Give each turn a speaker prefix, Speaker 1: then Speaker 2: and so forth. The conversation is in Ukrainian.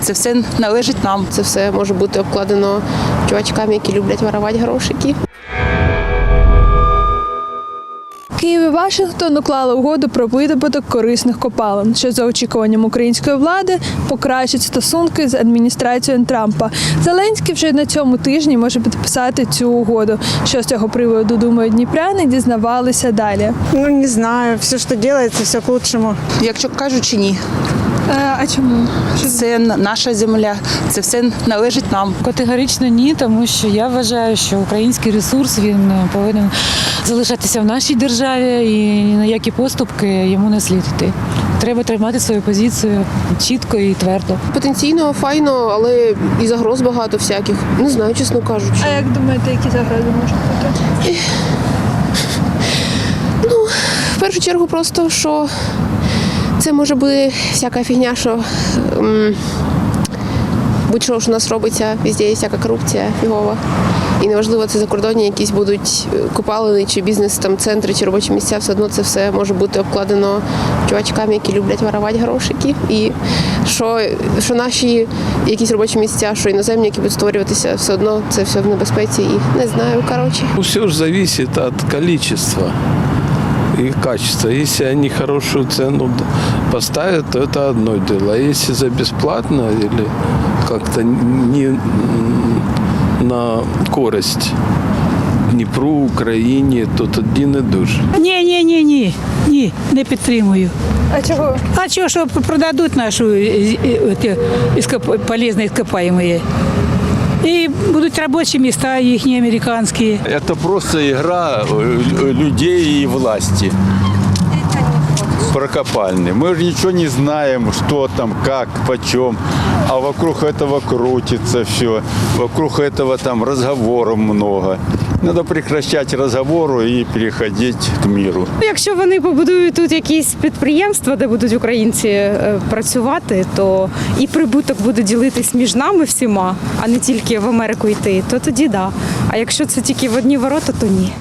Speaker 1: це все належить нам.
Speaker 2: Це все може бути обкладено чувачками, які люблять воровати грошики.
Speaker 3: Київ і Вашингтон уклали угоду про видобуток корисних копалин, що за очікуванням української влади покращить стосунки з адміністрацією Трампа. Зеленський вже на цьому тижні може підписати цю угоду. Що з цього приводу думають дніпряни, дізнавалися далі.
Speaker 4: Ну, не знаю, все, что делается, все к лучшему.
Speaker 1: Якщо кажучи, ні.
Speaker 3: А чому?
Speaker 1: Це наша земля, це все належить нам.
Speaker 5: Категорично ні, тому що я вважаю, що український ресурс він повинен залишатися в нашій державі і ні на які поступки йому не слід йти. Треба тримати свою позицію чітко і твердо.
Speaker 2: Потенційно файно, але і загроз багато всяких. Не знаю, чесно кажучи.
Speaker 3: А як думаєте, які загрози можуть бути?
Speaker 2: В першу чергу просто, що це може бути всяка фігня, що будь-що ж у нас робиться, везде є всяка корупція фігова. І неважливо, це закордонні якісь будуть копалини, чи бізнес, там, центри, чи робочі місця, все одно це все може бути обкладено чувачками, які люблять воровати грошики. І що наші якісь робочі місця, що іноземні, які будуть створюватися, все одно це все в небезпеці. І не знаю, коротше.
Speaker 6: Все же зависит от количества и качества. Если они хорошую цену поставят, то это одно дело. А если за бесплатно или как-то не на користь Дніпру, Україні, то тоді не дуже.
Speaker 7: Ні, не підтримую.
Speaker 3: А чого?
Speaker 7: А чого, що продадуть нашу полезні іскопаємі? І будуть робочі міста їхні американські.
Speaker 8: Это просто игра людей и власти. Прокопальни. Мы же ничего не знаем, что там, как, почем. А вокруг этого крутится все. Вокруг этого там разговоров много. Надо прекращать разговоры і переходити к миру.
Speaker 9: Якщо вони побудують тут якісь підприємства, де будуть українці працювати, то і прибуток буде ділитись між нами всіма, а не тільки в Америку йти, то тоді да. А якщо це тільки в одні ворота, то ні.